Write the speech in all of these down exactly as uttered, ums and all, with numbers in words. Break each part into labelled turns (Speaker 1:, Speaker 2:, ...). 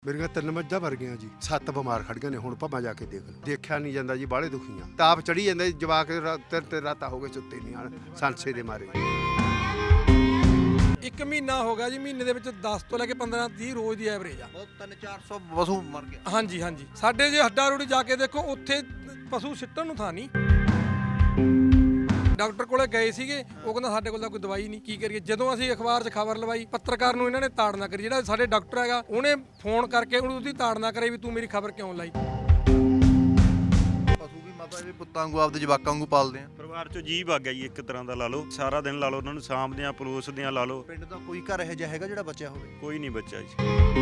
Speaker 1: ਮੇਰੀਆਂ ਤਿੰਨ ਮੱਝਾਂ ਮਰ ਗਈਆਂ ਜੀ, ਸੱਤ ਬਿਮਾਰ ਖੜ ਗਏ ਨੇ। ਹੁਣ ਭਾਵੇਂ ਜਾ ਕੇ ਦੇਖ ਲਓ, ਦੇਖਿਆ ਨਹੀਂ ਜਾਂਦਾ ਜੀ, ਬਾਹਲੇ ਦੁਖੀਆਂ। ਤਾਪ ਚੜੀ ਜਾਂਦੇ ਜਵਾਕ, ਤਿੰਨ ਤਿੰਨ ਰਾਤਾਂ ਹੋ ਗਏ ਸੁੱਤੇ ਨਹੀਂ ਆਣ ਸੰਸੇ ਦੇ ਮਾਰੇ।
Speaker 2: ਇੱਕ ਮਹੀਨਾ ਹੋ ਗਿਆ ਜੀ, ਮਹੀਨੇ ਦੇ ਵਿੱਚ ਦਸ ਤੋਂ ਲੈ ਕੇ ਪੰਦਰਾਂ ਤੀਹ ਰੋਜ਼ ਦੀ ਐਵਰੇਜ ਆ।
Speaker 3: ਬਹੁਤ ਤਿੰਨ ਚਾਰ ਸੌ ਪਸ਼ੂ ਮਰ ਗਏ।
Speaker 2: ਹਾਂਜੀ ਹਾਂਜੀ, ਸਾਡੇ ਜੇ ਹੱਡਾ ਰੋੜੀ ਜਾ ਕੇ ਦੇਖੋ, ਉੱਥੇ ਪਸ਼ੂ ਸਿੱਟਣ ਨੂੰ ਥਾਂ ਨਹੀਂ। ਡਾਕਟਰ ਕੋਲੇ ਗਏ ਸੀਗੇ, ਉਹ ਕਹਿੰਦਾ ਸਾਡੇ ਕੋਲ ਤਾਂ ਕੋਈ ਦਵਾਈ ਨਹੀਂ, ਕੀ ਕਰੀਏ। ਜਦੋਂ ਅਸੀਂ ਅਖਬਾਰ 'ਚ ਖਬਰ ਲਵਾਈ, ਪੱਤਰਕਾਰ ਨੂੰ ਇਹਨਾਂ ਨੇ ਤਾੜਨਾ ਕਰੀ। ਜਿਹੜਾ ਸਾਡੇ ਡਾਕਟਰ ਹੈਗਾ, ਉਹਨੇ ਫੋਨ ਕਰਕੇ ਉਹਨੂੰ ਉਹਦੀ ਤਾੜਨਾ ਕਰੇ ਵੀ ਤੂੰ ਮੇਰੀ ਖਬਰ ਕਿਉਂ ਲਾਈ।
Speaker 3: ਪਸ਼ੂ ਵੀ ਮਾਤਾ ਵੀ ਪੁੱਤਾਂ ਵਾਂਗੂ ਆਪਦੇ ਜਵਾਕਾਂ ਵਾਂਗੂ ਪਾਲਦੇ ਆ।
Speaker 4: ਪਰਿਵਾਰ ਚੋਂ ਜੀਵ ਆ ਗਿਆ ਜੀ, ਇੱਕ ਤਰ੍ਹਾਂ ਦਾ ਲਾ ਲਓ। ਸਾਰਾ ਦਿਨ ਲਾ ਲਓ ਉਹਨਾਂ ਨੂੰ ਸਾਂਭਦੇ ਆ, ਪਲੋਸਦੇ ਆ ਲਾ ਲਓ।
Speaker 3: ਪਿੰਡ ਦਾ ਕੋਈ ਘਰ ਇਹੋ ਜਿਹਾ ਹੈਗਾ ਜਿਹੜਾ ਬਚਿਆ ਹੋਵੇ?
Speaker 4: ਕੋਈ ਨਹੀਂ ਬੱਚਾ ਜੀ।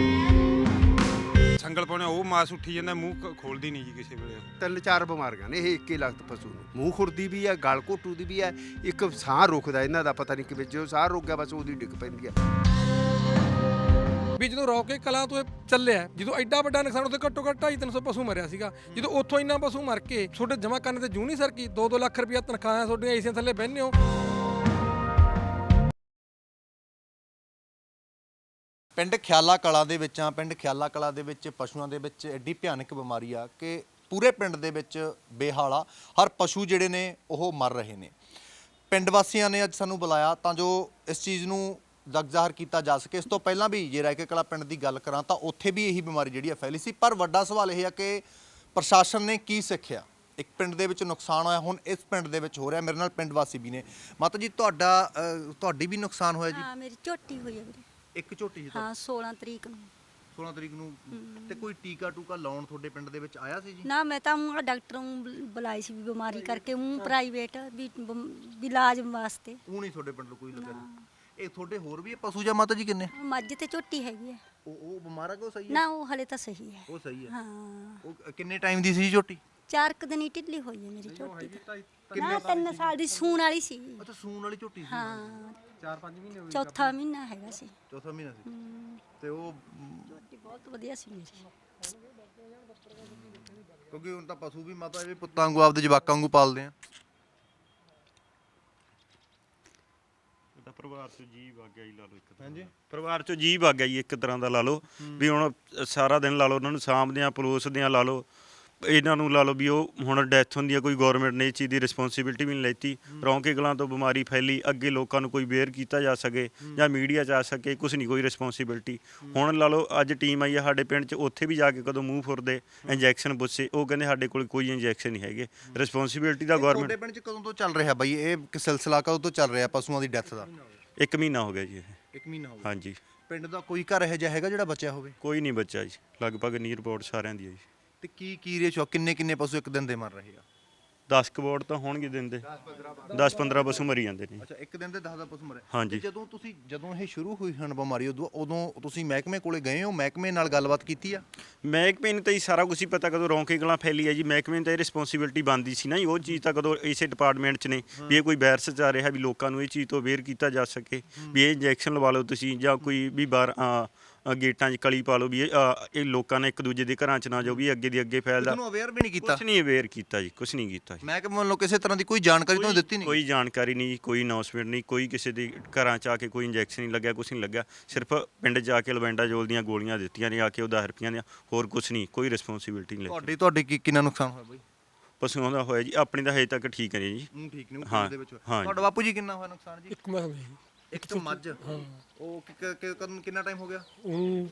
Speaker 5: ਸੰਗਲ ਪਾਉਣੇ ਉਹ ਮਾਸ ਉੱਠੀ ਜਾਂਦਾ, ਮੂੰਹ ਖੋਲਦੀ ਨਹੀਂ ਜੀ ਕਿਸੇ ਵੇਲੇ।
Speaker 1: ਤਿੰਨ ਚਾਰ ਬਿਮਾਰੀਆਂ ਨੇ ਇਹ ਇੱਕੇ ਲਖਤ ਪਸ਼ੂ ਨੂੰ। ਮੂੰਹ ਖੁਰਦੀ ਵੀ ਹੈ, ਗਲ ਘੋਟੂ ਦੀ ਵੀ ਹੈ, ਇੱਕ ਸਾਹ ਰੁਕਦਾ ਇਹਨਾਂ ਦਾ ਪਤਾ ਨਹੀਂ ਕਿਵੇਂ। ਜਦੋਂ ਸਾਹ ਰੁਕ ਗਿਆ ਬਸ ਉਹਦੀ ਡਿੱਗ ਪੈਂਦੀ ਹੈ।
Speaker 2: ਵੀ ਜਦੋਂ ਰੌਕੇ ਕਲਾਂ ਤੋਂ ਇਹ ਚੱਲਿਆ, ਜਦੋਂ ਐਡਾ ਵੱਡਾ ਨੁਕਸਾਨ, ਉੱਥੇ ਘੱਟੋ ਘੱਟ ਢਾਈ ਤਿੰਨ ਸੌ ਪਸ਼ੂ ਮਰਿਆ ਸੀਗਾ। ਜਦੋਂ ਉੱਥੋਂ ਇੰਨਾ ਪਸ਼ੂ ਮਰ ਕੇ ਤੁਹਾਡੇ ਜਮ੍ਹਾਂ ਕਰਨ ਤੇ ਜੂ ਨਹੀਂ ਸਰਕੀ। ਦੋ ਦੋ ਲੱਖ ਰੁਪਇਆ ਤਨਖਾਹਾਂ ਤੁਹਾਡੀਆਂ ਏਸੀਆਂ ਥੱਲੇ ਬਹਿੰਦੇ ਹੋ।
Speaker 3: ਪਿੰਡ ਖਿਆਲਾ ਕਲਾਂ ਦੇ ਵਿੱਚ ਆ। ਪਿੰਡ ਖਿਆਲਾ ਕਲਾਂ ਦੇ ਵਿੱਚ ਪਸ਼ੂਆਂ ਦੇ ਵਿੱਚ ਐਡੀ ਭਿਆਨਕ ਬਿਮਾਰੀ ਆ ਕਿ ਪੂਰੇ ਪਿੰਡ ਦੇ ਵਿੱਚ ਬੇਹਾਲਾ। ਹਰ ਪਸ਼ੂ ਜਿਹੜੇ ਨੇ ਉਹ ਮਰ ਰਹੇ ਨੇ। ਪਿੰਡ ਵਾਸੀਆਂ ਨੇ ਅੱਜ ਸਾਨੂੰ ਬੁਲਾਇਆ ਤਾਂ ਜੋ ਇਸ ਚੀਜ਼ ਨੂੰ ਜਗ ਜ਼ਾਹਰ ਕੀਤਾ ਜਾ ਸਕੇ। ਇਸ ਤੋਂ ਪਹਿਲਾਂ ਵੀ ਜੇ ਰਾਇਕੇ ਕਲਾਂ ਪਿੰਡ ਦੀ ਗੱਲ ਕਰਾਂ ਤਾਂ ਉੱਥੇ ਵੀ ਇਹੀ ਬਿਮਾਰੀ ਜਿਹੜੀ ਆ ਫੈਲੀ ਸੀ। ਪਰ ਵੱਡਾ ਸਵਾਲ ਇਹ ਆ ਕਿ ਪ੍ਰਸ਼ਾਸਨ ਨੇ ਕੀ ਸਿੱਖਿਆ। ਇੱਕ ਪਿੰਡ ਦੇ ਵਿੱਚ ਨੁਕਸਾਨ ਹੋਇਆ, ਹੁਣ ਇਸ ਪਿੰਡ ਦੇ ਵਿੱਚ ਹੋ ਰਿਹਾ। ਮੇਰੇ ਨਾਲ ਪਿੰਡ ਵਾਸੀ ਵੀ ਨੇ। ਮਾਤਾ ਜੀ ਤੁਹਾਡਾ ਤੁਹਾਡੀ ਵੀ ਨੁਕਸਾਨ ਹੋਇਆ ਜੀ?
Speaker 6: ਹਾਂ, ਮੇਰੀ ਝੋਟੀ ਹੋਈ ਹੈ ਵੀਰੇ।
Speaker 3: ਇੱਕ ਝੋਟੀ ਜੀ?
Speaker 6: ਹਾਂ, ਸੋਲਾਂ ਤਰੀਕ ਨੂੰ।
Speaker 3: ਸੋਲਾਂ ਤਰੀਕ ਨੂੰ। ਤੇ ਕੋਈ ਟੀਕਾ ਟੂਕਾ ਲਾਉਣ ਤੁਹਾਡੇ ਪਿੰਡ ਦੇ ਵਿੱਚ ਆਇਆ ਸੀ ਜੀ?
Speaker 6: ਨਾ, ਮੈਂ ਤਾਂ ਉਹ ਡਾਕਟਰ ਨੂੰ ਬੁਲ- ਬੁਲਾਈ ਸੀ ਵੀ ਬਿਮਾਰੀ ਕਰਕੇ, ਉਹ ਪ੍ਰਾਈਵੇਟ ਵੀ ਬਮ- ਵੀ ਇਲਾਜ ਵਾਸਤੇ।
Speaker 3: ਉਹ ਨਹੀਂ ਤੁਹਾਡੇ ਪਿੰਡ ਕੋਈ ਲੱਗਿਆ? ਇਹ ਤੁਹਾਡੇ ਹੋਰ ਵੀ ਇਹ ਪਸ਼ੂ ਜਾਂ ਮਾਤਾ ਜੀ ਕਿੰਨੇ?
Speaker 6: ਮੱਝ ਤੇ ਝੋਟੀ ਹੈਗੀ ਹੈ।
Speaker 3: ਉਹ ਉਹ ਬਿਮਾਰ ਆ ਕਿ ਉਹ ਸਹੀ ਹੈ?
Speaker 6: ਨਾ, ਉਹ ਹਲੇ ਤਾਂ ਸਹੀ ਹੈ।
Speaker 3: ਉਹ ਸਹੀ ਹੈ।
Speaker 6: ਹਾਂ,
Speaker 3: ਉਹ ਕਿੰਨੇ ਟਾਈਮ ਦੀ ਸੀ ਜੀ ਝੋਟੀ?
Speaker 6: ਚਾਰ ਕੁ ਦਿਨ ਹੀ ਢਿੱਲੀ ਹੋਈ ਹੈ ਮੇਰੀ ਝੋਟੀ ਤਾਂ। ਨਾ, ਤਿੰਨ ਸਾਲ ਦੀ ਸੂਣ ਵਾਲੀ ਸੀ।
Speaker 3: ਅੱਛਾ, ਸੂਣ ਵਾਲੀ ਝੋਟੀ ਸੀ?
Speaker 6: ਹਾਂ, ਚਾਰ ਪੰਜ ਮਹੀਨੇ ਹੋਏ। ਚੌਥਾ ਮਹੀਨਾ ਹੈਗਾ ਸੀ।
Speaker 3: ਚੌਥਾ ਮਹੀਨਾ ਸੀ।
Speaker 6: ਹਮ,
Speaker 3: ਤੇ ਉਹ
Speaker 6: ਝੋਟੀ ਬਹੁਤ ਵਧੀਆ ਸੀ ਮੇਰੀ।
Speaker 3: ਕਿਉਂਕਿ ਹੁਣ ਤਾਂ ਪਸ਼ੂ ਵੀ ਮਾਤਾ ਇਹ ਵੀ ਪੁੱਤਾਂ ਵਾਂਗੂ ਆਪਦੇ ਜਵਾਕਾਂ ਵਾਂਗੂ ਪਾਲਦੇ ਆ।
Speaker 4: ਤਾਂ ਪਰਿਵਾਰ ਚੋਂ ਜੀਵ ਆ ਗਿਆ ਜੀ, ਲਾ ਲਓ ਇੱਕ ਤਰ੍ਹਾਂ ਦਾ। ਪਰਿਵਾਰ ਚੋਂ ਜੀਵ ਆ ਗਿਆ ਜੀ, ਇੱਕ ਤਰ੍ਹਾਂ ਦਾ ਲਾ ਲਓ। ਵੀ ਹੁਣ ਸਾਰਾ ਦਿਨ ਲਾ ਲਓ ਉਹਨਾਂ ਨੂੰ ਸਾਂਭਦੇ ਆ, ਪਲੋਸਦੇ ਆ ਲਾ ਲਓ। ਇਹਨਾਂ ਨੂੰ ਲਾ ਲਓ ਵੀ ਉਹ ਹੁਣ ਡੈਥ ਹੁੰਦੀ ਆ, ਕੋਈ ਗੌਰਮੈਂਟ ਨੇ ਇਹ ਚੀਜ਼ ਦੀ ਰਿਸਪੌਂਸਿਬਿਲਟੀ ਵੀ ਨਹੀਂ ਲੈਤੀ। ਰੌਂਕੇ ਕਲਾਂ ਤੋਂ ਬਿਮਾਰੀ ਫੈਲੀ, ਅੱਗੇ ਲੋਕਾਂ ਨੂੰ ਕੋਈ ਅਵੇਅਰ ਕੀਤਾ ਜਾ ਸਕੇ ਜਾਂ ਮੀਡੀਆ 'ਚ ਆ ਸਕੇ, ਕੁਛ ਨਹੀਂ, ਕੋਈ ਰਿਸਪੌਂਸਿਬਿਲਟੀ। ਹੁਣ ਲਾ ਲਓ ਅੱਜ ਟੀਮ ਆਈ ਆ ਸਾਡੇ ਪਿੰਡ 'ਚ, ਉੱਥੇ ਵੀ ਜਾ ਕੇ ਕਦੋਂ ਮੂੰਹ ਫੁਰਦੇ ਇੰਜੈਕਸ਼ਨ ਪੁੱਛੇ, ਉਹ ਕਹਿੰਦੇ ਸਾਡੇ ਕੋਲ ਕੋਈ ਇੰਜੈਕਸ਼ਨ ਨਹੀਂ ਹੈਗੇ। ਰਿਸਪੌਂਸਿਬਿਲਟੀ ਦਾ ਗੌਰਮੈਂਟ।
Speaker 3: ਤੁਹਾਡੇ ਪਿੰਡ 'ਚ ਕਦੋਂ ਤੋਂ ਚੱਲ ਰਿਹਾ ਬਾਈ ਇਹ ਸਿਲਸਿਲਾ? ਕਦੋਂ ਤੋਂ ਚੱਲ ਰਿਹਾ ਪਸ਼ੂਆਂ ਦੀ ਡੈਥ ਦਾ?
Speaker 4: ਇੱਕ ਮਹੀਨਾ ਹੋ ਗਿਆ ਜੀ ਇਹ।
Speaker 3: ਇੱਕ ਮਹੀਨਾ ਹੋ ਗਿਆ।
Speaker 4: ਹਾਂਜੀ।
Speaker 3: ਪਿੰਡ ਦਾ ਕੋਈ ਘਰ ਇਹੋ ਜਿਹਾ ਹੈਗਾ ਜਿਹੜਾ ਬਚਿਆ ਹੋਵੇ?
Speaker 4: ਕੋਈ ਨਹੀਂ ਬੱਚਾ ਜੀ, ਲਗਭਗ ਨੀ ਰਿਪੋਰਟ ਸਾਰਿਆਂ ਦੀ ਹੈ ਜੀ।
Speaker 3: ਤੇ ਕੀ ਕੀ ਰੇਸ਼ੋ, ਕਿੰਨੇ ਕਿੰਨੇ ਪਸ਼ੂ ਇੱਕ ਦਿਨ ਦੇ ਮਰ ਰਹੇ ਆ?
Speaker 4: ਦਸ ਕਬੋੜ ਤਾਂ ਹੋਣਗੇ ਦਿਨ ਦੇ, ਦਸ ਪੰਦਰਾਂ ਪਸ਼ੂ ਮਰੀ ਜਾਂਦੇ ਨੇ।
Speaker 3: ਅੱਛਾ, ਇੱਕ ਦਿਨ ਦੇ ਦਸ ਦਸ ਪਸ਼ੂ ਮਰੇ?
Speaker 4: ਹਾਂਜੀ।
Speaker 3: ਤੇ ਜਦੋਂ ਤੁਸੀਂ ਜਦੋਂ ਇਹ ਸ਼ੁਰੂ ਹੋਈ ਹਨ ਬਿਮਾਰੀ, ਉਦੋਂ ਉਦੋਂ ਤੁਸੀਂ ਮਹਿਕਮੇ ਕੋਲੇ ਗਏ ਹੋ? ਮਹਿਕਮੇ ਨਾਲ ਗੱਲਬਾਤ ਕੀਤੀ ਆ?
Speaker 4: ਮਹਿਕਮੇ ਨੂੰ ਤਾਂ ਹੀ ਸਾਰਾ ਕੁਝ ਹੀ ਪਤਾ ਕਦੋਂ ਰੌਂਕੇ ਕਲਾਂ ਫੈਲੀ ਹੈ ਜੀ। ਮਹਿਕਮੇ ਨੂੰ ਤਾਂ ਇਹ ਰਿਸਪੌਂਸਿਬਿਲਟੀ ਬਣਦੀ ਸੀ ਨਾ ਜੀ, ਉਹ ਚੀਜ਼ ਤਾਂ ਕਦੋਂ ਇਸੇ ਡਿਪਾਰਟਮੈਂਟ 'ਚ ਨੇ ਵੀ ਇਹ ਕੋਈ ਵਾਇਰਸ ਚੱਲ ਰਿਹਾ, ਵੀ ਲੋਕਾਂ ਨੂੰ ਇਹ ਚੀਜ਼ ਤੋਂ ਅਵੇਅਰ ਕੀਤਾ ਜਾ ਸਕੇ ਵੀ ਇਹ ਇੰਜੈਕਸ਼ਨ ਲਵਾ ਲਓ ਤੁਸੀਂ, ਜਾਂ ਕੋਈ ਵੀ ਬਾਹਰ ਗੇਟਾਂ 'ਚ ਕਲੀ ਪਾ ਲਓ ਵੀ ਇਹ ਇਹ ਲੋਕਾਂ ਨੇ ਇੱਕ ਦੂਜੇ ਦੇ ਘਰਾਂ 'ਚ ਨਾ ਜਾਓ, ਵੀ ਅੱਗੇ ਦੀ ਅੱਗੇ ਫੈਲਦਾ।
Speaker 3: ਤੁਹਾਨੂੰ ਅਵੇਅਰ ਵੀ ਨਹੀਂ ਕੀਤਾ?
Speaker 4: ਕੁਛ ਨਹੀਂ ਅਵੇਅਰ ਕੀਤਾ ਜੀ, ਕੁਛ ਨਹੀਂ ਕੀਤਾ ਜੀ।
Speaker 3: ਮਹਿਕਮੇ ਵੱਲੋਂ ਕਿਸੇ ਤਰ੍ਹਾਂ ਦੀ ਕੋਈ ਜਾਣਕਾਰੀ ਤੁਹਾਨੂੰ ਦਿੱਤੀ ਨਹੀਂ?
Speaker 4: ਕੋਈ ਜਾਣਕਾਰੀ ਨਹੀਂ, ਕੋਈ ਅਨਾਉਂਸਮੈਂਟ ਨਹੀਂ, ਕੋਈ ਕਿਸੇ ਦੇ ਘਰਾਂ 'ਚ ਆ ਕੇ ਕੋਈ ਇੰਜੈਕਸ਼ਨ ਨਹੀਂ ਲੱਗਿਆ, ਕੁਛ ਨਹੀਂ ਲੱਗਿਆ। ਸਿਰਫ ਪਿੰਡ 'ਚ ਜਾ ਕੇ ਲਵੈਂਡਾਜੋਲ ਦੀਆਂ ਗੋਲੀਆਂ ਦਿੱਤੀਆਂ ਨੇ ਆ ਕੇ, ਉਹ ਦਸ ਰੁਪਈਆਂ ਦੀਆਂ, ਹੋਰ ਕੁਛ ਨਹੀਂ, ਕੋਈ ਰਿਸਪੌਂਸਿਬਿਲਟੀ ਨਹੀਂ ਲਈ।
Speaker 3: ਤੁਹਾਡੀ ਤੁਹਾਡੀ ਕੀ ਕਿੰਨਾ ਨੁਕਸਾਨ ਹੋਇਆ ਬਾਈ?
Speaker 4: ਪਸ਼ੂਆਂ ਦਾ ਹੋਇਆ ਜੀ, ਆਪਣੀ ਤਾਂ ਹਜੇ ਤੱਕ ਠੀਕ ਹੈ ਜੀ।
Speaker 3: ਹੂੰ, ਠੀਕ ਨੇ
Speaker 4: ਹਾਂ,
Speaker 3: ਦੇ ਵਿੱਚ।
Speaker 4: ਹਾਂ।
Speaker 3: ਤੁਹਾਡਾ ਬਾਪੂ ਜੀ ਕਿੰਨਾ ਹੋਇਆ ਨੁਕਸਾਨ ਜੀ?
Speaker 2: ਇੱਕ ਮੈਂ ਹੋਈ
Speaker 3: ਇੱਕ ਮੱਝ? ਉਹ ਕਿ- ਕਿ- ਕਿ- ਕਦੋਂ ਕਿੰਨਾ ਟਾਈਮ ਹੋ ਗਿਆ?
Speaker 2: ਉਹ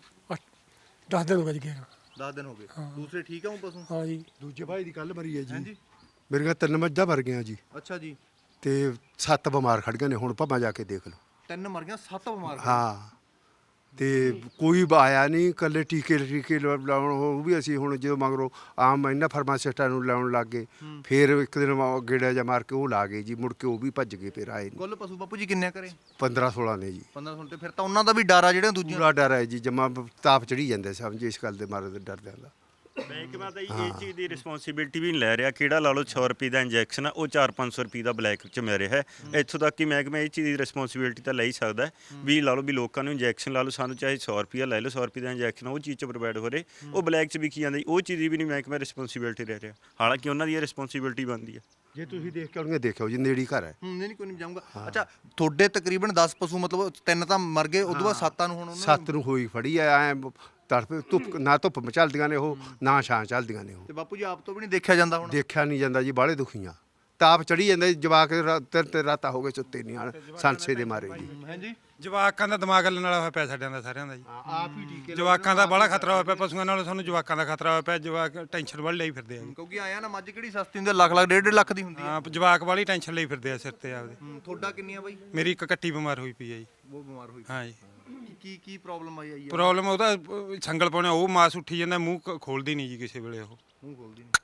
Speaker 2: ਦਸ ਦਿਨ ਹੋ ਗਏ ਗਿਆ।
Speaker 3: ਦਸ ਦਿਨ ਹੋ ਗਏ। ਦੂਸਰੇ ਠੀਕ ਆ ਉਹ ਪਸ਼ੂ?
Speaker 2: ਹਾਂ ਜੀ।
Speaker 1: ਦੂਜੇ ਭਾਈ ਦੀ ਕੱਲ ਮਰੀ ਹੈ ਜੀ।
Speaker 3: ਹਾਂਜੀ।
Speaker 1: ਮੇਰੀਆਂ ਤਿੰਨ ਮੱਝਾਂ ਮਰ ਗਈਆਂ ਜੀ,
Speaker 3: ਅੱਛਾ ਜੀ।
Speaker 1: ਤੇ ਸੱਤ ਬਿਮਾਰ ਖੜ ਗਏ ਨੇ। ਹੁਣ ਭਾਵੇਂ ਜਾ ਕੇ ਦੇਖ ਲਓ।
Speaker 3: ਤਿੰਨ ਮਰ ਗਿਆ, ਸੱਤ ਬਿਮਾਰ?
Speaker 1: ਹਾਂ, ਤੇ ਕੋਈ ਆਇਆ ਨਹੀਂ। ਇਕੱਲੇ ਟੀਕੇ ਟੀਕੇ ਲਾ- ਲਾਉਣ ਉਹ ਵੀ ਅਸੀਂ ਹੁਣ ਜਦੋਂ ਮਗਰੋਂ ਆਮ ਇਹਨਾਂ ਫਾਰਮਾਸਿਸਟਾਂ ਨੂੰ ਲਾਉਣ ਲੱਗ ਗਏ, ਫਿਰ ਇੱਕ ਦਿਨ ਵਾ- ਗੇੜਾ ਜਿਹਾ ਮਾਰ ਕੇ ਉਹ ਲਾ ਗਏ ਜੀ, ਮੁੜ ਕੇ ਉਹ ਵੀ ਭੱਜ ਗਏ, ਫਿਰ ਆਏ ਨਹੀਂ।
Speaker 3: ਕੁੱਲ ਪਸ਼ੂ ਬਾਪੂ ਜੀ ਕਿੰਨੇ ਕਰੇ?
Speaker 1: ਪੰਦਰਾਂ ਸੋਲਾਂ ਨੇ ਜੀ।
Speaker 3: ਪੰਦਰਾਂ ਸੌ। ਤੇ ਫਿਰ ਤਾਂ ਉਹਨਾਂ ਦਾ ਵੀ ਡਰ ਆ ਜਿਹੜੇ ਦੂਜੇ?
Speaker 1: ਪੂਰਾ ਡਰ ਹੈ ਜੀ, ਜਮਾ ਤਾਪ ਚੜੀ ਜਾਂਦੇ ਸਮਝੇ, ਇਸ ਗੱਲ ਦੇ ਮਾਰੇ ਡਰਦਿਆਂ ਦਾ।
Speaker 4: ਮਹਿਕਮਾ ਤਾਂ ਇਹ ਚੀਜ਼ ਦੀ ਰਿਸਪੌਂਸਿਬਿਲਟੀ ਵੀ ਨਹੀਂ ਲੈ ਰਿਹਾ। ਕਿਹੜਾ ਲਾ ਲਓ ਸੌ ਰੁਪਏ ਦਾ ਇੰਜੈਕਸ਼ਨ ਆ, ਉਹ ਚਾਰ ਪੰਜ ਸੌ ਰੁਪਏ ਦਾ ਬਲੈਕ 'ਚ ਮਿਲ ਰਿਹਾ ਹੈ। ਇੱਥੋਂ ਤੱਕ ਕਿ ਮਹਿਕਮਾ ਇਹ ਚੀਜ਼ ਦੀ ਰਿਸਪੌਂਸਿਬਿਲਟੀ ਤਾਂ ਲੈ ਹੀ ਸਕਦਾ ਵੀ ਲਾ ਲਓ ਵੀ ਲੋਕਾਂ ਨੂੰ ਇੰਜੈਕਸ਼ਨ ਲਾ ਲਓ, ਸਾਨੂੰ ਚਾਹੇ ਸੌ ਰੁਪਈਆ ਲੈ ਲਓ, ਸੌ ਰੁਪਏ ਦਾ ਇੰਜੈਕਸ਼ਨ ਉਹ ਚੀਜ਼ 'ਚ ਪ੍ਰੋਵਾਈਡ ਹੋ ਰਹੇ, ਉਹ ਬਲੈਕ 'ਚ ਵਿਕੀ ਜਾਂਦੀ, ਉਹ ਚੀਜ਼ ਦੀ ਵੀ ਨਹੀਂ ਮਹਿਕਮਾ ਰਿਸਪੌਂਸਿਬਿਲਟੀ ਲੈ ਰਿਹਾ। ਹਾਲਾਂਕਿ ਉਹਨਾਂ ਦੀ ਇਹ ਰਿਸਪੌਂਸਿਬਿਲਟੀ ਬਣਦੀ ਹੈ।
Speaker 1: ਜੇ ਤੁਸੀਂ ਦੇਖ ਕੇ ਆਉਣਗੇ ਦੇਖਿਓ ਜੀ, ਨੇੜੇ ਘਰ ਹੈ।
Speaker 3: ਹੂੰ, ਨਹੀਂ ਕੋਈ ਨਹੀਂ ਜਾਊਂਗਾ। ਅੱਛਾ, ਤੁਹਾਡੇ ਤਕਰੀਬਨ ਦਸ ਪਸ਼ੂ, ਮਤਲਬ ਤਿੰਨ ਤਾਂ ਮਰ ਗਏ, ਉਦੋਂ ਬਾਅਦ ਸੱਤਾਂ ਨੂੰ ਹੁਣ ਉਹਨਾਂ
Speaker 1: ਸੱਤ ਨੂੰ ਹੋਈ ਫੜੀ ਐ ਐਂ ਤੜਫ ਧੁੱਪ ਨਾ ਧੁੱਪ ਮਚਲਦੀਆਂ ਨੇ ਉਹ ਨਾ ਛਾਂ ਚੱਲਦੀਆਂ ਨੇ ਉਹ
Speaker 3: ਤੇ ਬਾਪੂ ਜੀ ਆਪ ਤੋਂ ਵੀ ਨਹੀਂ ਦੇਖਿਆ ਜਾਂਦਾ ਹੁਣ
Speaker 1: ਦੇਖਿਆ ਨਹੀਂ ਜਾਂਦਾ ਜੀ ਬਾਹਲੇ ਦੁਖੀਆਂ ਤਾਪ ਚੜੀ ਜਾਂਦਾ ਜੀ, ਜਵਾਕ ਰਾ- ਤਿੰਨ ਤਿੰਨ ਰਾਤਾਂ ਹੋ ਗਏ ਸੁੱਤੇ ਨਹੀਂ ਆਣ ਸੰਸੇ ਦੇ ਮਾਰੇ ਜੀ
Speaker 3: ਹਾਂਜੀ
Speaker 5: ਜਵਾਕਾਂ ਦਾ ਦਿਮਾਗ ਹੱਲਣ ਵਾਲਾ ਹੋਇਆ ਪਿਆ ਸਾਡਿਆਂ ਦਾ ਸਾਰਿਆਂ ਦਾ ਜੀ
Speaker 1: ਆਪ ਹੀ ਟੀਕੇ
Speaker 5: ਜਵਾਕਾਂ ਦਾ ਬੜਾ ਖਤਰਾ ਹੋਇਆ ਪਿਆ ਪਸ਼ੂਆਂ ਨਾਲੋਂ ਸਾਨੂੰ ਜਵਾਕਾਂ ਦਾ ਖਤਰਾ ਹੋਇਆ ਪਿਆ ਜਵਾਕ ਟੈਨਸ਼ਨ ਵਾਲੀ ਲਈ ਫਿਰਦੇ ਆ ਜੀ
Speaker 3: ਕਿਉਂਕਿ ਆਇਆ ਨਾ ਮੱਝ ਕਿਹੜੀ ਸਸਤੀ ਹੁੰਦੀ ਆ, ਲੱਖ ਲੱਖ ਡੇਢ ਡੇਢ ਲੱਖ ਦੀ ਹੁੰਦੀ ਹੈ
Speaker 5: ਹਾਂ ਜਵਾਕ ਵਾਲੀ ਟੈਨਸ਼ਨ ਲਈ ਫਿਰਦੇ ਆ ਸਿਰ ਤੇ ਆਪਦੇ
Speaker 3: ਹੂੰ, ਤੁਹਾਡਾ ਕਿੰਨੀ ਆ ਬਾਈ
Speaker 5: ਮੇਰੀ ਇੱਕ ਕੱਟੀ ਬਿਮਾਰ ਹੋਈ ਪਈ ਹੈ ਜੀ
Speaker 3: ਉਹ ਬਿਮਾਰ ਹੋਈ
Speaker 5: ਹਾਂ ਜੀ
Speaker 3: ਕੀ ਕੀ ਕੀ ਪ੍ਰੋਬਲਮ ਆਈ ਆਈ ਆ
Speaker 5: ਪ੍ਰੋਬਲਮ ਉਹਦਾ ਅਹ, ਸੰਗਲ ਪਾਉਣਾ ਉਹ ਮਾਸ ਉੱਠੀ ਜਾਂਦਾ ਮੂੰਹ ਕ- ਖੋਲਦੀ ਨਹੀਂ ਜੀ ਕਿਸੇ ਵੇਲੇ ਉਹ
Speaker 3: ਮੂੰਹ ਖੋਲਦੀ ਨਹੀਂ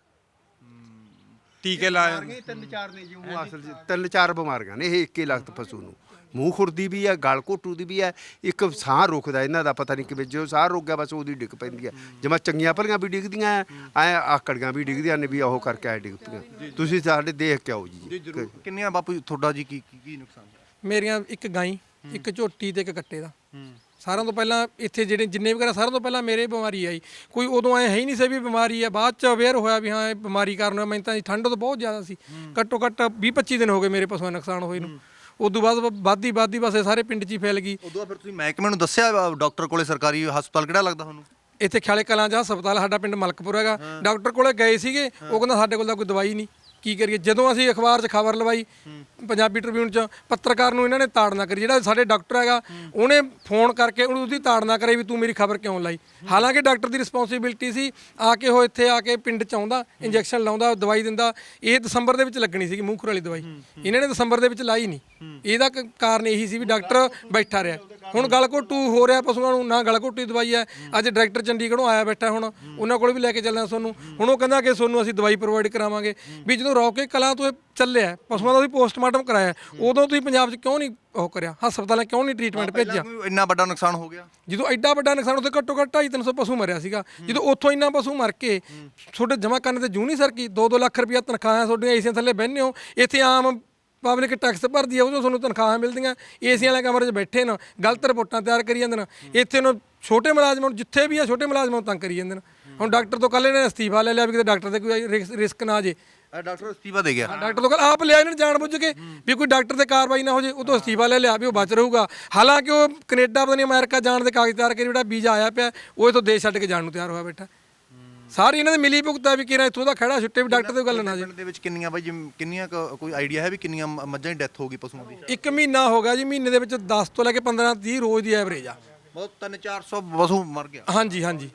Speaker 5: ਟੀਕੇ ਲਾਏ
Speaker 1: ਬਿਮਾਰੀਆਂ ਤਿੰਨ ਚਾਰ ਨੇ ਜੀ ਉਹ ਅਸਲ 'ਚ ਤਿੰਨ ਚਾਰ ਬਿਮਾਰੀਆਂ ਨੇ ਇਹ ਇੱਕੇ ਲਖਤ ਪਸ਼ੂ ਨੂੰ ਮੂੰਹ ਖੁਰਦੀ ਵੀ ਹੈ ਗਲ ਘੋਟੂ ਦੀ ਵੀ ਹੈ ਇੱਕ ਸਾਹ ਰੁਕਦਾ ਇਹਨਾਂ ਦਾ ਪਤਾ ਨਹੀਂ ਕਿਵੇਂ ਜੋ ਸਾਹ ਰੁਕ ਗਿਆ ਬਸ ਉਹਦੀ ਡਿੱਗ ਪੈਂਦੀ ਹੈ ਜਿਵੇਂ ਚੰਗੀਆਂ ਭਲੀਆਂ ਵੀ ਡਿੱਗਦੀਆਂ ਐ ਆਕੜੀਆਂ ਵੀ ਡਿੱਗਦੀਆਂ ਨੇ ਵੀ ਉਹ ਕਰਕੇ ਐ ਡਿੱਗ ਪਈਆਂ ਤੁਸੀਂ ਸਾਡੇ ਦੇਖ ਕੇ ਆਓ ਜੀ
Speaker 3: ਜ਼ਰੂਰ ਕਿੰਨੀਆਂ ਬਾਪੂ ਜੀ ਤੁਹਾਡਾ ਜੀ ਕੀ ਕੀ ਕੀ ਨੁਕਸਾਨ
Speaker 2: ਮੇਰੀਆਂ ਇੱਕ ਗਾਈ ਇੱਕ ਝੋਟੀ ਤੇ ਇੱਕ ਕੱਟੇ ਦਾ ਸਾਰਿਆਂ ਤੋਂ ਪਹਿਲਾਂ ਇੱਥੇ ਜਿਹੜੇ ਜਿੰਨੇ ਵਗੈਰਾ ਸਾਰਿਆਂ ਤੋਂ ਪਹਿਲਾਂ ਮੇਰੇ ਬਿਮਾਰੀ ਆਈ ਕੋਈ ਉਦੋਂ ਐ ਹੈ ਹੀ ਨਹੀਂ ਸੀ ਵੀ ਬਿਮਾਰੀ ਆ ਬਾਅਦ ਚ ਅਵੇਅਰ ਹੋਇਆ ਵੀ ਹਾਂ ਇਹ ਬਿਮਾਰੀ ਕਾਰਨ ਮੈਨੂੰ ਤਾਂ ਠੰਡ ਤੋਂ ਬਹੁਤ ਜ਼ਿਆਦਾ ਸੀ ਘੱਟੋ ਘੱਟ ਵੀਹ ਪੱਚੀ ਦਿਨ ਹੋ ਗਏ ਮੇਰੇ ਪਸ਼ੂਆਂ ਦਾ ਨੁਕਸਾਨ ਹੋਏ ਨੂੰ ਉਦੋਂ ਬਾਅਦ ਵੱਧਦੀ ਵੱਧਦੀ ਬਸ ਇਹ ਸਾਰੇ ਪਿੰਡ 'ਚ ਹੀ ਫੈਲ ਗਈ
Speaker 3: ਉਦੋਂ ਫਿਰ ਤੁਸੀਂ ਮਹਿਕਮੇ ਨੂੰ ਦੱਸਿਆ ਡਾਕਟਰ ਕੋਲੇ ਸਰਕਾਰੀ ਹਸਪਤਾਲ ਕਿਹੜਾ ਲੱਗਦਾ ਤੁਹਾਨੂੰ
Speaker 2: ਇੱਥੇ ਖਿਆਲੇ ਕਲਾਂ ਜਾਂ ਹਸਪਤਾਲ ਸਾਡਾ ਪਿੰਡ ਮਲਕਪੁਰ ਹੈਗਾ ਡਾਕਟਰ ਕੋਲੇ ਗਏ ਸੀਗੇ ਉਹ ਕਹਿੰਦਾ ਸਾਡੇ ਕੋਲ ਤਾਂ ਕੋਈ ਦਵਾਈ ਨਹੀਂ ਕੀ ਕਰੀਏ ਜਦੋਂ ਅਸੀਂ ਅਖਬਾਰ 'ਚ ਖਬਰ ਲਵਾਈ ਪੰਜਾਬੀ ਟ੍ਰਿਬਿਊਨ 'ਚ ਪੱਤਰਕਾਰ ਨੂੰ ਇਹਨਾਂ ਨੇ ਤਾੜਨਾ ਕਰੀ ਜਿਹੜਾ ਸਾਡੇ ਡਾਕਟਰ ਹੈਗਾ ਉਹਨੇ ਫੋਨ ਕਰਕੇ ਉਹਨੂੰ ਉਹਦੀ ਤਾੜਨਾ ਕਰਾਈ ਵੀ ਤੂੰ ਮੇਰੀ ਖਬਰ ਕਿਉਂ ਲਾਈ ਹਾਲਾਂਕਿ ਡਾਕਟਰ ਦੀ ਰਿਸਪੌਂਸਿਬਿਲਟੀ ਸੀ ਆ ਕੇ ਉਹ ਇੱਥੇ ਆ ਕੇ ਪਿੰਡ 'ਚ ਆਉਂਦਾ ਇੰਜੈਕਸ਼ਨ ਲਾਉਂਦਾ ਦਵਾਈ ਦਿੰਦਾ ਇਹ ਦਸੰਬਰ ਦੇ ਵਿੱਚ ਲੱਗਣੀ ਸੀਗੀ ਮੂੰਹ ਖੁਰ ਵਾਲੀ ਦਵਾਈ ਇਹਨਾਂ ਨੇ ਦਸੰਬਰ ਦੇ ਵਿੱਚ ਲਾਈ ਨਹੀਂ ਇਹਦਾ ਕ- ਕਾਰਨ ਇਹੀ ਸੀ ਵੀ ਡਾਕਟਰ ਬੈਠਾ ਰਿਹਾ ਹੁਣ ਗਲ ਘੋਟੂ ਹੋ ਰਿਹਾ ਪਸ਼ੂਆਂ ਨੂੰ ਨਾ ਗਲ ਘੋਟੂ ਦੀ ਦਵਾਈ ਹੈ ਅੱਜ ਡਾਇਰੈਕਟਰ ਚੰਡੀਗੜ੍ਹੋਂ ਆਇਆ ਬੈਠਾ ਹੁਣ ਉਹਨਾਂ ਕੋਲ ਵੀ ਲੈ ਕੇ ਚੱਲਣਾ ਤੁਹਾਨੂੰ ਹੁਣ ਉਹ ਕਹਿੰਦਾ ਕਿ ਤੁਹਾਨੂੰ ਅਸੀਂ ਦਵਾਈ ਪ੍ਰੋਵਾਈਡ ਕਰਾਵਾਂਗੇ ਵੀ ਜਦੋਂ ਰੌਕੇ ਕਲਾਂ ਤੋਂ ਇਹ ਚੱਲਿਆ ਪਸ਼ੂਆਂ ਦਾ ਵੀ ਪੋਸਟਮਾਰਟਮ ਕਰਾਇਆ ਉਦੋਂ ਤੁਸੀਂ ਪੰਜਾਬ 'ਚ ਕਿਉਂ ਨਹੀਂ ਉਹ ਕਰਿਆ ਹਸਪਤਾਲਾਂ ਕਿਉਂ ਨਹੀਂ ਟ੍ਰੀਟਮੈਂਟ ਭੇਜਿਆ
Speaker 3: ਕੋਈ ਇੰਨਾ ਵੱਡਾ ਨੁਕਸਾਨ ਹੋ ਗਿਆ
Speaker 2: ਜਦੋਂ ਐਡਾ ਵੱਡਾ ਨੁਕਸਾਨ ਉੱਥੇ ਘੱਟੋ ਘੱਟ ਢਾਈ ਤਿੰਨ ਸੌ ਪਸ਼ੂ ਮਰਿਆ ਸੀਗਾ ਜਦੋਂ ਉੱਥੋਂ ਇੰਨਾ ਪਸ਼ੂ ਮਰ ਕੇ ਤੁਹਾਡੇ ਜਮ੍ਹਾਂ ਕਰਨ ਤੇ ਜੂ ਨਹੀਂ ਸਰ ਕੀ ਦੋ ਦੋ ਲੱਖ ਰੁਪਇਆ ਤਨਖਾਹਾਂ ਤੁਹਾਡੀਆਂ ਏਸੀਆਂ ਥੱਲੇ ਬਹਿੰਦੇ ਹੋ ਇੱਥੇ ਆਮ ਪਬਲਿਕ ਟੈਕਸ ਭਰਦੀ ਆ ਉਹ ਤੁਹਾਨੂੰ ਤਨਖਾਹਾਂ ਮਿਲਦੀਆਂ ਏਸੀਆਂ ਵਾਲੇ ਕਮਰੇ 'ਚ ਬੈਠੇ ਨੇ ਗਲਤ ਰਿਪੋਰਟਾਂ ਤਿਆਰ ਕਰੀ ਜਾਂਦੇ ਨੇ ਇੱਥੇ ਨੂੰ ਛੋਟੇ ਮੁਲਾਜ਼ਮਾਂ ਨੂੰ ਜਿੱਥੇ ਵੀ ਆ ਛੋਟੇ ਮੁਲਾਜ਼ਮਾਂ ਨੂੰ ਤੰਗ ਕਰੀ ਜਾਂਦੇ ਨੇ ਹੁਣ ਡਾਕਟਰ ਤੋਂ ਕੱਲ੍ਹ ਇਹਨਾਂ ਨੇ ਅਸਤੀਫਾ ਲੈ ਲਿਆ ਵੀ ਕਿਤੇ ਡਾਕਟਰ ਤੇ ਕੋਈ ਰਿਸ- ਰਿਸਕ ਨਾ ਜੇ
Speaker 3: ਡਾਕਟਰ ਅਸਤੀਫਾ ਦੇ ਗਿਆ
Speaker 2: ਡਾਕਟਰ ਤੋਂ ਕੱਲ੍ਹ ਆਪ ਲਿਆ ਇਹਨਾਂ ਨੇ ਜਾਣ ਬੁੱਝ ਕੇ ਵੀ ਕੋਈ ਡਾਕਟਰ ਤੇ ਕਾਰਵਾਈ ਨਾ ਹੋ ਜੇ ਉਹ ਤੋਂ ਅਸਤੀਫਾ ਲੈ ਲਿਆ ਵੀ ਉਹ ਬਚ ਰਹੂਗਾ ਹਾਲਾਂਕਿ ਉਹ ਕੈਨੇਡਾ ਪਤਾ ਨਹੀਂ ਅਮਰੀਕਾ ਜਾਣ ਦੇ ਕਾਗਜ਼ ਤਿਆਰ ਕਰੀ ਜਿਹੜਾ ਵੀਜ਼ਾ ਆਇਆ ਪਿਆ ਉਹ ਇਥੋਂ ਦੇਸ਼ ਛੱਡ ਕੇ ਜਾਣ ਨੂੰ ਤਿਆਰ ਹੋਇਆ ਬੈਠਾ ਸਾਰੀ ਇਹਨਾਂ ਦੇ ਮਿਲੀ ਭੁਗਤਾ ਵੀ ਕਿਹੜਾ ਇੱਥੋਂ ਦਾ ਖੜਾ ਛੁੱਟੇ ਵੀ ਡਾਕਟਰ ਦੀ ਗੱਲ ਨਾ ਜੇ
Speaker 3: ਪਿੰਡ ਦੇ ਵਿੱਚ ਕਿੰਨੀਆਂ ਬਾਈ ਜਿਵੇਂ ਕਿੰਨੀਆਂ ਕੁ ਕੋਈ ਆਈਡੀਆ ਹੈ ਵੀ ਕਿੰਨੀਆਂ ਮ- ਮੱਝਾਂ ਦੀ ਡੈਥ ਹੋ ਗਈ ਪਸ਼ੂਆਂ ਦੀ
Speaker 2: ਇੱਕ ਮਹੀਨਾ ਹੋ ਗਿਆ ਜੀ ਮਹੀਨੇ ਦੇ ਵਿੱਚ ਦਸ ਤੋਂ ਲੈ ਕੇ ਪੰਦਰਾਂ ਤੀਹ ਰੋਜ਼ ਦੀ ਐਵਰੇਜ ਆ
Speaker 3: ਬਹੁਤ ਤਿੰਨ ਚਾਰ ਸੌ ਪਸ਼ੂ ਮਰ ਗਿਆ
Speaker 2: ਹਾਂਜੀ ਹਾਂਜੀ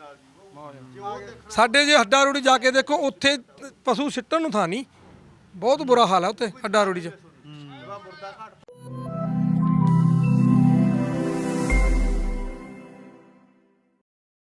Speaker 2: ਸਾਡੇ ਜੇ ਹੱਡਾ ਰੋੜੀ ਜਾ ਕੇ ਦੇਖੋ ਉੱਥੇ ਪਸ਼ੂ ਸਿੱਟਣ ਨੂੰ ਥਾਂ ਨਹੀਂ ਬਹੁਤ ਬੁਰਾ ਹਾਲ ਆ ਉੱਥੇ ਹੱਡਾ ਰੋੜੀ 'ਚ